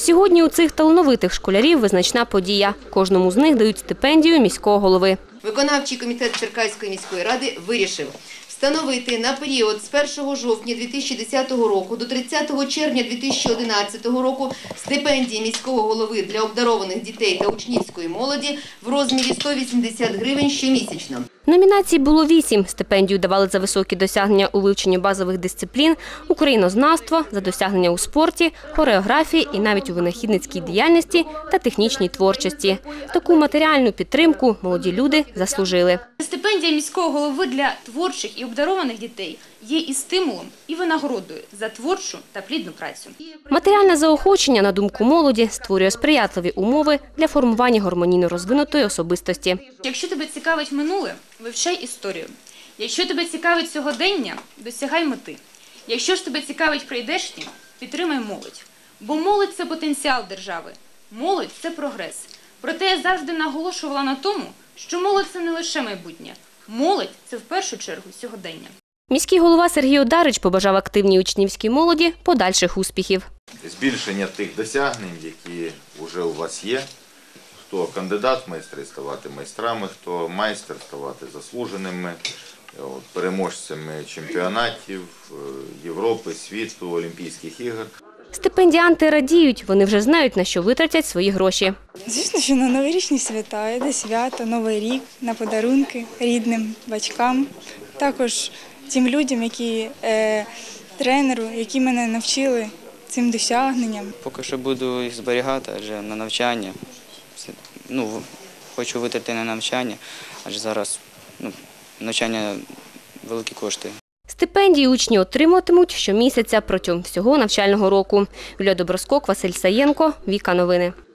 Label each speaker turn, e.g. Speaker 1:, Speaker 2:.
Speaker 1: Сьогодні у цих талановитих школярів визначна подія. Кожному з них дають стипендію міського голови.
Speaker 2: Виконавчий комітет Черкаської міської ради вирішив встановити на період з 1 жовтня 2010 року до 30 червня 2011 року стипендії міського голови для обдарованих дітей та учнівської молоді в розмірі 180 гривень щомісячно.
Speaker 1: Номінацій було 8. Стипендію давали за високі досягнення у вивченні базових дисциплін, українознавства, за досягнення у спорті, хореографії і навіть у винахідницькій діяльності та технічній творчості. Таку матеріальну підтримку молоді люди заслужили.
Speaker 3: Стипендія міського голови для творчих і обдарованих дітей є і стимулом, і винагородою за творчу та плідну працю.
Speaker 1: Матеріальне заохочення, на думку молоді, створює сприятливі умови для формування гармонійно розвинутої особистості.
Speaker 3: Якщо тебе цікавить минуле, вивчай історію. Якщо тебе цікавить сьогодення, досягай мети. Якщо ж тебе цікавить прийдешнє, підтримай молодь. Бо молодь – це потенціал держави. Молодь – це прогрес. Проте я завжди наголошувала на тому, що молодь – це не лише майбутнє. Молодь – це в першу чергу сьогодення.
Speaker 1: Міський голова Сергій Одарич побажав активній учнівській молоді подальших успіхів.
Speaker 4: Збільшення тих досягнень, які вже у вас є. Хто кандидат в майстри, ставати майстрами, хто майстер, ставати заслуженими, переможцями чемпіонатів Європи, світу, Олімпійських ігор.
Speaker 1: Стипендіанти радіють, вони вже знають, на що витратять свої гроші.
Speaker 5: Звісно, що на новорічні свята, йде свято, Новий рік, на подарунки рідним, батькам. Також тим людям, тренеру, які мене навчили цим досягненням.
Speaker 6: Поки що буду їх зберігати, адже на навчання. Хочу витратити на навчання, адже зараз навчання великі кошти.
Speaker 1: Стипендії учні отримуватимуть щомісяця протягом всього навчального року. Юлія Доброскок, Василь Саєнко, Віка Новини.